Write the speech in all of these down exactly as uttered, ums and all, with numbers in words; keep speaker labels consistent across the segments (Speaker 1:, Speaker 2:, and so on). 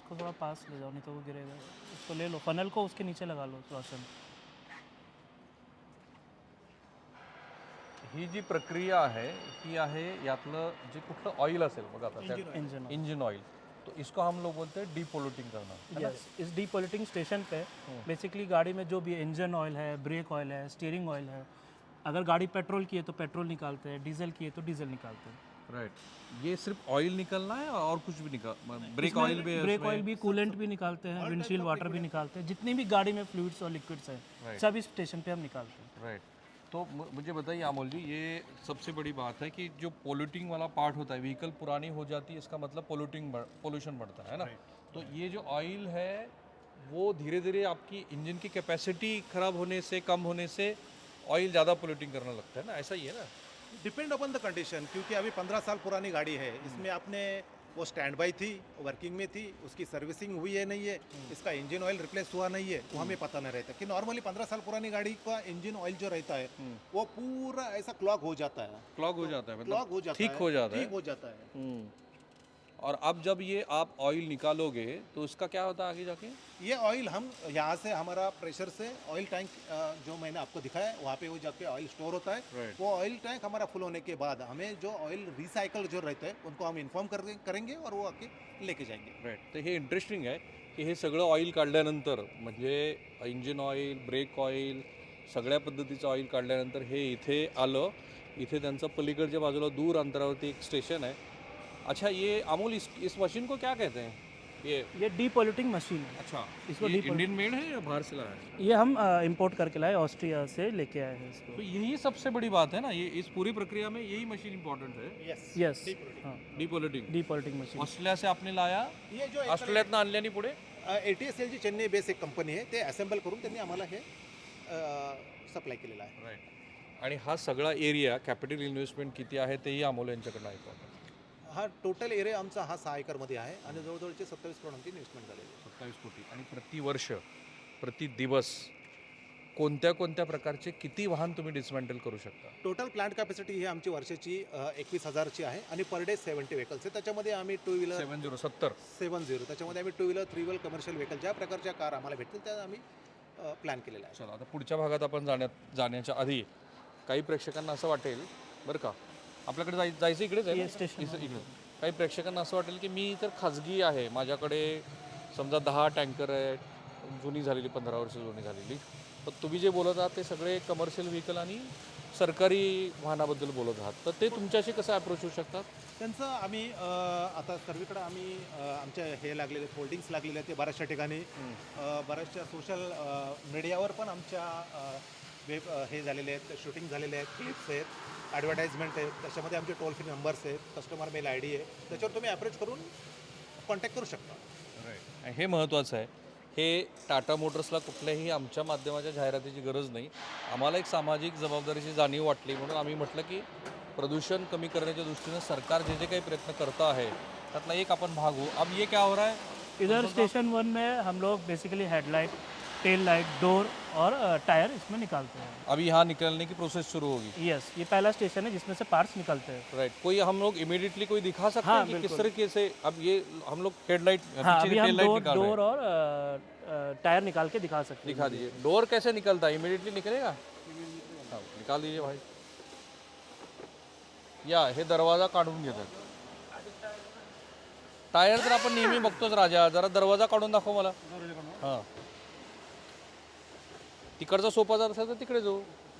Speaker 1: उसको थोड़ा पास ले जाओ, नहीं तो वो गिरेगा। उसको ले लो, फनल को उसके नीचे लगा लो रोशन।
Speaker 2: ही जी प्रक्रिया आहे ही आहे यातलं जे कुठलं ऑइल असेल बघा आता त्या
Speaker 1: इंजन
Speaker 2: इंजिन ऑइल, तो इसको हम लोग बोलते हैं डीपोल्यूटिंग करना, है ना?
Speaker 1: यस, इस डीपोलिटिंग स्टेशन पे बेसिकली गाड़ी में जो भी इंजन ऑयल है, ब्रेक ऑयल है, स्टीयरिंग ऑयल है, अगर गाड़ी पेट्रोल की है तो पेट्रोल निकालते हैं, डीजल की है तो डीजल निकालते हैं।
Speaker 2: राइट, ये सिर्फ ऑयल निकलना है और कुछ भी निकाल, ब्रेक ऑयल भी है
Speaker 1: ब्रेक
Speaker 2: उसमें?
Speaker 1: ऑयल भी, कूलेंट भी निकालते हैं, विंडशील्ड वाटर भी निकालते हैं, जितनी भी गाड़ी में फ्लूइड्स और लिक्विड्स हैं सब इस स्टेशन पे हम निकालते हैं।
Speaker 2: राइट, तो मु- मुझे बताइए अमोल जी, ये सबसे बड़ी बात है कि जो पोल्यूटिंग वाला पार्ट होता है, व्हीकल पुरानी हो जाती है, इसका मतलब पोल्यूटिंग पोल्यूशन बढ़ता है ना? तो ये जो ऑयल है वो धीरे धीरे आपकी इंजन की कैपेसिटी खराब होने से, कम होने से ऑयल ज़्यादा पोल्यूटिंग करने लगता है ना, ऐसा ही है ना?
Speaker 3: डिपेंड अपॉन द कंडीशन, क्योंकि अभी पंद्रह साल पुरानी गाड़ी है, इसमें आपने वो स्टैंड बाई थी, वर्किंग में थी, उसकी सर्विसिंग हुई है नहीं है, इसका इंजन ऑयल रिप्लेस हुआ नहीं है, वो हमें पता नहीं रहता। कि नॉर्मली पंद्रह साल पुरानी गाड़ी का इंजन ऑयल जो रहता है वो पूरा ऐसा क्लॉग हो जाता है,
Speaker 2: क्लॉग हो जाता है,
Speaker 3: क्लॉग हो
Speaker 2: मतलब
Speaker 3: जाता
Speaker 2: ठीक
Speaker 3: है,
Speaker 2: हो जाता है।
Speaker 3: ठीक हो जाता है।
Speaker 2: हम्म। और अब जब ये आप ऑयल निकालोगे तो इसका क्या होता है आगे जाके?
Speaker 3: ये ऑयल हम यहाँ से हमारा प्रेशर से ऑयल टैंक जो मैंने आपको दिखाया है वहाँ पे वो जाके ऑयल स्टोर होता है।
Speaker 2: Right.
Speaker 3: वो ऑयल टैंक हमारा फुल होने के बाद हमें जो ऑयल रिसाइकल जो रहते हैं उनको हम इन्फॉर्म कर करेंगे और वो आके लेके जाएंगे।
Speaker 2: राईट, तर हे इंटरेस्टिंग आहे की हे सगळं ऑइल काढल्यानंतर, म्हणजे इंजिन ऑइल, ब्रेक ऑइल, सगळ्या पद्धतीचं ऑइल काढल्यानंतर हे इथे आलं, इथे त्यांचं पलीकडच्या बाजूला दूर अंतरावरती एक स्टेशन आहे। अच्छा, ये अमूल इस इस मशीन को क्या कहते हैं? ये
Speaker 1: ये डीपोलिटिंग मशीन है।
Speaker 2: अच्छा,
Speaker 1: इसको
Speaker 2: ये
Speaker 1: deep-
Speaker 2: इंडियन मेड है या बाहर से लाया है?
Speaker 1: ये हम इंपोर्ट करके लाए, ऑस्ट्रिया से लेके आए हैं इसको।
Speaker 2: तो यही सबसे बड़ी बात है ना, ये इस पूरी प्रक्रिया में यही मशीन इंपॉर्टेंट है,
Speaker 3: यस
Speaker 1: यस, हाँ,
Speaker 2: डीपोलिटिंग।
Speaker 1: डीपोलिटिंग मशीन।
Speaker 2: ऑस्ट्रेलिया से आपने लाया,
Speaker 3: ये जो
Speaker 2: ऑस्ट्रेलियातनं आणल्याने पुढे
Speaker 3: A T S L G Chennai base एक कंपनी आहे, ते असेंबल करून त्यांनी आम्हाला हे सप्लाय केलेलं आहे।
Speaker 2: राईट, आणि हा सगळा एरिया कॅपिटल इन्व्हेस्टमेंट किती आहे तेही अमोल यांच्याकडनं ऐकू आपण।
Speaker 3: हा टोटल एरिया आमचा हा सहा एकरमध्ये आहे आणि जवळजवळचे सत्तावीस करोडांची इन्व्हेस्टमेंट झालेली आहे।
Speaker 2: सत्तावीस कोटी, आणि प्रतिवर्ष प्रति दिवस कोणत्या कोणत्या प्रकारचे किती वाहन तुम्ही डिसमेंटल करू शकता?
Speaker 3: टोटल प्लांट कॅपॅसिटी ही आमची वर्षाची एकवीस हजारची आहे आणि पर डे सेवन्टी व्हेकल्स आहे। त्याच्यामध्ये आम्ही टू व्हीलर
Speaker 2: सेवन झिरो सत्तर
Speaker 3: सेवन झिरो त्याच्यामध्ये आम्ही two wheeler three wheeler commercial vehicle ज्या प्रकारच्या कार आम्हाला भेटतील त्या आम्ही प्लॅन केलेला आहे।
Speaker 2: चला, आता पुढच्या भागात आपण जाण्यात जाण्याच्या आधी काही प्रेक्षकांना असं वाटेल, बरं का, आपल्याकडे जाय जायचं इकडेच आहे ना?
Speaker 1: स्टेशन
Speaker 2: इथं- इकडे काही प्रेक्षकांना असं वाटेल की मी तर खाजगी आहे, माझ्याकडे समजा दहा टँकर आहेत, जुनी झालेली, पंधरा वर्ष जुनी झालेली, तर तुम्ही जे बोलत आहात ते सगळे कमर्शियल व्हेकल आणि सरकारी वाहनाबद्दल बोलत आहात, तर ते तुमच्याशी कसं अप्रोच होऊ शकतात?
Speaker 3: त्यांचं आम्ही अ, आता सर्वीकडे आम्ही अ, आमच्या हे लागलेले होल्डिंग्स लागलेले आहेत ते बऱ्याचशा ठिकाणी अ, बऱ्याचशा सोशल मीडियावर पण आमच्या अ, वेब अ, हे झालेले आहेत, शूटिंग झालेले आहेत, क्लिप्स आहेत, ॲडव्हर्टाईजमेंट आहेत, त्याच्यामध्ये आमचे टोल फ्री नंबर्स आहेत, कस्टमर मेल आय डी आहे, त्याच्यावर तुम्ही अप्रोच करून कॉन्टॅक्ट करू शकता।
Speaker 2: आणि हे महत्त्वाचं आहे, हे टाटा मोटर्सला कुठल्याही आमच्या माध्यमाच्या जाहिरातीची गरज नाही, आम्हाला एक सामाजिक जबाबदारीची जाणीव वाटली म्हणून आम्ही म्हटलं की प्रदूषण कमी करण्याच्या दृष्टीनं सरकार जे जे काही प्रयत्न करतं आहे त्यातला एक आपण भाग हो। अब ये क्या हो रहा है?
Speaker 1: इधर स्टेशन वन में हम लोग basically headlight, tail light, door और टायर इसमें निकालते हैं।
Speaker 2: अभी यहाँ निकलने की प्रोसेस शुरू होगी।
Speaker 1: यस, ये पहला स्टेशन है जिसमें से पार्ट्स निकलते हैं।
Speaker 2: राइट, कोई हम लोग इमीडिएटली कोई दिखा सकते
Speaker 1: हाँ,
Speaker 2: हैं कि किस
Speaker 1: बिल्कुल।
Speaker 2: तरीके से अब ये हम लोग हेडलाइट
Speaker 1: हाँ,
Speaker 2: पीछे
Speaker 1: अभी
Speaker 2: की
Speaker 1: हम
Speaker 2: टेल लाइट
Speaker 1: डोर
Speaker 2: निकाल रहे
Speaker 1: डोर
Speaker 2: हैं,
Speaker 1: और अ, अ, टायर निकाल के दिखा सकते हैं।
Speaker 2: दिखा दीजिए। डोर कैसे निकलता है, इमीडिएटली निकलेगा? हाँ, निकाल दीजिए भाई। या हे दरवाजा काढून घेतात। टायर तर आपण नेहमी बघतोच राजा, जरा दरवाजा काढून दाखव मला। हां, तिकडचा सोपा जर असेल तर तिकडे जाऊ।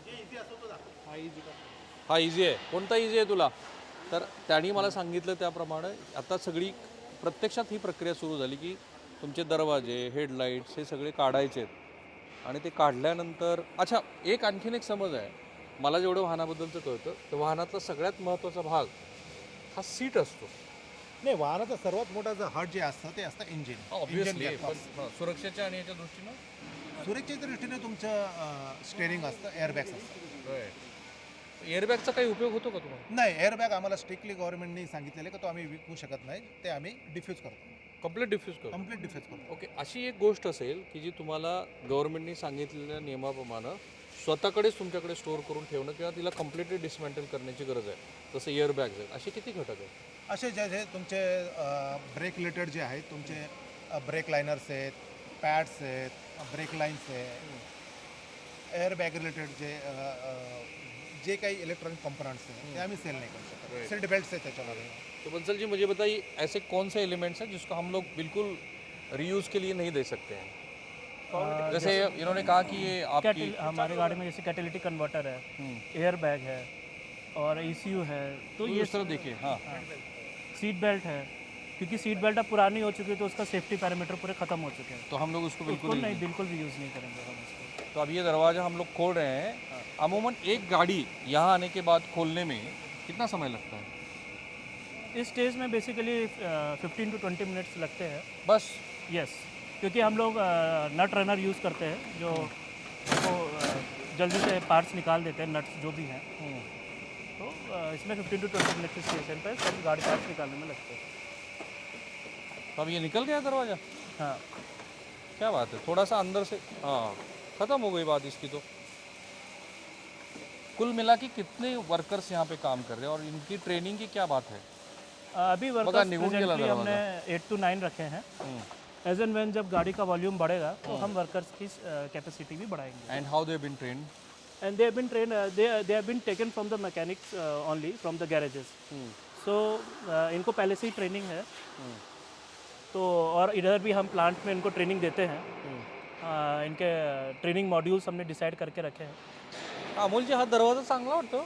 Speaker 2: हा इझी आहे, कोणता इझी आहे तुला? तर त्यांनी मला सांगितलं त्याप्रमाणे आता सगळी प्रत्यक्षात ही प्रक्रिया सुरू झाली की तुमचे दरवाजे, हेडलाईट्स हे सगळे काढायचे आहेत आणि ते काढल्यानंतर, अच्छा, एक आणखीन एक समज आहे मला जेवढं वाहनाबद्दलचं कळतं, तर वाहनातला सगळ्यात महत्त्वाचा भाग हा सीट असतो।
Speaker 3: नाही, वाहनाचा सर्वात मोठा जो हार्ट जे असतं ते असतं इंजिन।
Speaker 2: ऑब्व्हियसली, पण हां, सुरक्षेच्या आणि याच्या दृष्टीनं
Speaker 3: सुरक्षेच्या दृष्टीने तुमचं स्टेअरिंग असतं, एअरबॅग्स असतं।
Speaker 2: एअरबॅगचा काही उपयोग होतो का तुम्हाला?
Speaker 3: नाही, एअरबॅग आम्हाला स्ट्रिक्टली गव्हर्नमेंटने सांगितलेलं की तो आम्ही विकू शकत नाही, ते आम्ही डिफ्यूज करतो,
Speaker 2: कम्प्लीट डिफ्यूज करू?
Speaker 3: कम्प्लीट डिफ्यूज करतो।
Speaker 2: ओके, अशी एक गोष्ट असेल की जी तुम्हाला गव्हर्नमेंटने सांगितलेल्या नियमाप्रमाणे स्वतःकडेच तुमच्याकडे स्टोअर करून ठेवणं किंवा तिला कम्प्लिटली डिसमेंटल करण्याची गरज आहे, जसं एअरबॅग्स आहेत, असे किती घटक आहेत?
Speaker 3: असे जे जे तुमचे ब्रेक रिलेटेड जे आहेत, तुमचे ब्रेक लायनर्स आहेत, पॅड्स आहेत, ब्रेक लाईन्स आहेत, एअर बॅग रिलेटेड जे अ, अ, जे काही इलेक्ट्रॉनिक कंपोनंट्स आहेत ते आम्ही सेल नाही करू शकत. सीट बेल्ट्स आहेत त्याच्यामध्ये.
Speaker 2: तो बंसल जी मुझे बताइए ऐसे कौन से एलिमेंट्स हैं जिसको हम लोग बिल्कुल रीयूज़ के लिए नहीं दे सकते हैं? जैसे इन्होंने कहा कि ये आपकी
Speaker 1: कैटल हमारे गाड़ी में जैसे कैटेलिटिक कन्वर्टर है, एयर बैग है और ई सी यू है, तो ये
Speaker 2: इस तरह देखिए, हाँ
Speaker 1: सीट बेल्ट है, क्योंकि सीट बेल्ट अब पुरानी हो चुकी है तो उसका सेफ्टी पैरामीटर पूरे ख़त्म हो चुके हैं,
Speaker 2: तो हम लोग उसको बिल्कुल
Speaker 1: बिल्कुल नहीं, बिल्कुल भी यूज़ नहीं करेंगे हम इसको।
Speaker 2: तो अब ये दरवाज़ा हम लोग खोल रहे हैं। अमूमन एक गाड़ी यहाँ आने के बाद खोलने में कितना समय लगता है?
Speaker 1: इस स्टेज में basically fifteen to twenty minutes लगते हैं।
Speaker 2: बस
Speaker 1: यस, क्योंकि हम लोग नट रनर यूज़ करते हैं जो वो अ, जल्दी से पार्ट्स निकाल देते हैं, नट्स जो भी हैं। तो अ, इसमें fifteen to twenty minute station पर सब गाड़ी पार्ट्स निकालने में लगते हैं।
Speaker 2: तो अब ये निकल गया दरवाज़ा,
Speaker 1: हाँ,
Speaker 2: क्या बात है। थोड़ा सा अंदर से, हाँ ख़त्म हो गई बात इसकी। तो कुल मिला के कितने वर्कर्स यहाँ पे काम कर रहे हैं और इनकी ट्रेनिंग की क्या बात है?
Speaker 1: अ, अभी वर्कर्स
Speaker 2: निगुन गेला
Speaker 1: प्रेजेंटली
Speaker 2: दरवाजा।
Speaker 1: हमने एट टू नाइन रखे हैं। एज एंड व्हेन जब गाड़ी का वॉल्यूम बढ़ेगा तो हम वर्कर्स की कैपेसिटी भी बढ़ाएंगे।
Speaker 2: And how they been train?
Speaker 1: And they have been trained, uh, they, they have been taken from the mechanics uh, only, from the garages. So uh, इनको पहले से ही ट्रेनिंग है। तो और इधर भी हम प्लांट में इनको ट्रेनिंग देते हैं। uh, इनके ट्रेनिंग मॉड्यूल्स हमने डिसाइड करके रखे हैं।
Speaker 2: अमोलजी हा दरवाजा चांगला वाटतो?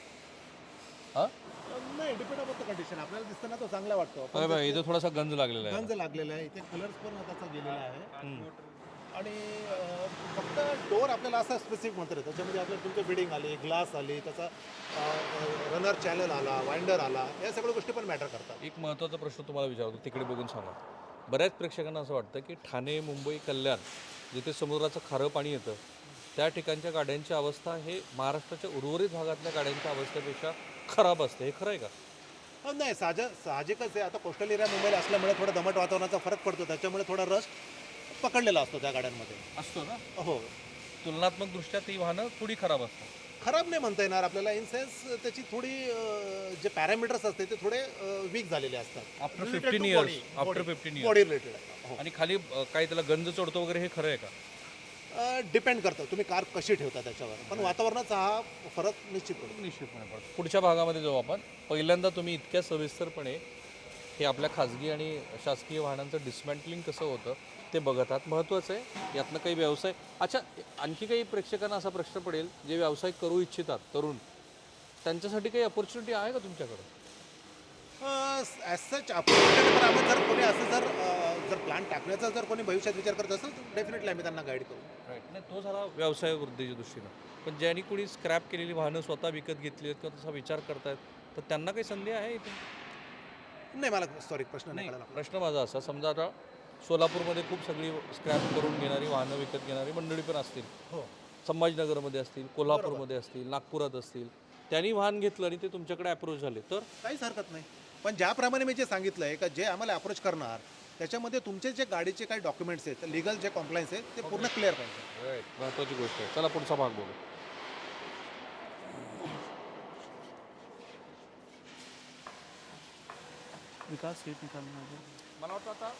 Speaker 2: हा?
Speaker 3: नाही, डिपेंड ऑन द कंडिशन. आपल्याला दिसताना तो चांगला वाटतो.
Speaker 2: अरे बाई, इथे थोडासा गंज लागलेला आहे.
Speaker 3: गंज लागलेला आहे, इथे कलर्स पण त्याचा गेलेला आहे. आणि अ, फक्त डोअर आपल्याला असं स्पेसिफिक म्हणतात येतं. त्याच्यामध्ये आपल्याला तुमचं बिडिंग आली, ग्लास आली, त्याचा रनर चॅनल आला, वाइंडर आला, या सगळ्या गोष्टी पण मॅटर करतात.
Speaker 2: एक महत्त्वाचा प्रश्न तुम्हाला विचारतो, तिकडे बघून सांगा. बऱ्याच प्रेक्षकांना असं वाटतं की ठाणे, मुंबई, कल्याण जिथे समुद्राचं खारं पाणी येतं त्या ठिकाणच्या गाड्यांची अवस्था हे महाराष्ट्राच्या उर्वरित भागातल्या गाड्यांच्या अवस्थेपेक्षा खराब असते. हे खरं आहे का?
Speaker 3: अ, नाही, साहज साहजिकच आहे. आता कोस्टल एरिया मुंबईला असल्यामुळे थोडा दमट वातावरणाचा फरक पडतो. त्याच्यामुळे थोडा रस पकडलेला असतो त्या गाड्यांमध्ये.
Speaker 2: असतो ना.
Speaker 3: हो,
Speaker 2: तुलनात्मक दृष्ट्या ती वाहनं थोडी खराब असतात.
Speaker 3: खराब नाही म्हणता येणार आपल्याला. इन सेन्स त्याची थोडी अ, जे पॅरामीटर्स असते ते थोडे वीक झालेले असतात.
Speaker 2: After fifteen years after fifteen years
Speaker 3: body related आहे.
Speaker 2: आणि खाली अ, काही त्याला गंज चढतो वगैरे, हे खरं आहे का?
Speaker 3: डिपेंड करतं तुम्ही कार कशी ठेवता त्याच्यावर. पण वातावरणाचा हा फरक निश्चित पडतो.
Speaker 2: निश्चितपणे पडतो. पुढच्या भागामध्ये जाऊ आपण. पहिल्यांदा तुम्ही इतक्या सविस्तरपणे हे आपल्या खाजगी आणि शासकीय वाहनांचं डिस्मॅन्टलिंग कसं होतं ते बघत आहात. महत्त्वाचं आहे. यातनं काही व्यवसाय, अच्छा आणखी काही प्रेक्षकांना असा प्रश्न पडेल जे व्यवसाय करू इच्छितात तरुण, त्यांच्यासाठी काही अपॉर्च्युनिटी आहे का तुमच्याकडे?
Speaker 3: ॲज सच आपण आम्ही जर कोणी असं जर अ, जर प्लान टाकण्याचा जर कोणी भविष्यात विचार करत असेल तर डेफिनेटली आम्ही त्यांना गाईड करू.
Speaker 2: राईट. नाही, तो झाला व्यवसाय वृद्धीच्या दृष्टीनं. पण ज्यांनी कोणी स्क्रॅप केलेली वाहनं स्वतः विकत घेतली आहेत किंवा तसा विचार करतायत, तर त्यांना काही संधी आहे इथे?
Speaker 3: नाही, मला सॉरी प्रश्न नाही
Speaker 2: नाही,
Speaker 3: कळला.
Speaker 2: प्रश्न माझा असा, समजा आता सोलापूरमध्ये खूप सगळी स्क्रॅप करून घेणारी वाहनं विकत घेणारी मंडळी पण असतील.
Speaker 3: हो,
Speaker 2: संभाजीनगरमध्ये असतील, कोल्हापूरमध्ये असतील, नागपुरात असतील. त्यांनी वाहन घेतलं आणि ते तुमच्याकडे अप्रोच झाले तर?
Speaker 3: काहीच हरकत नाही. पण ज्याप्रमाणे मी जे सांगितलं आहे का जे आम्हाला अप्रोच करणार त्याच्यामध्ये तुमचे जे गाडीचे काही डॉक्युमेंट्स आहेत, लिगल जे कॉम्प्लायन्स आहेत ते पूर्ण क्लिअर पाहिजे.
Speaker 2: राईट, महत्त्वाची गोष्ट आहे. चला पुढचा भाग बघू.
Speaker 1: विकास सीट निकालना होगा।
Speaker 2: मला वाटतं आता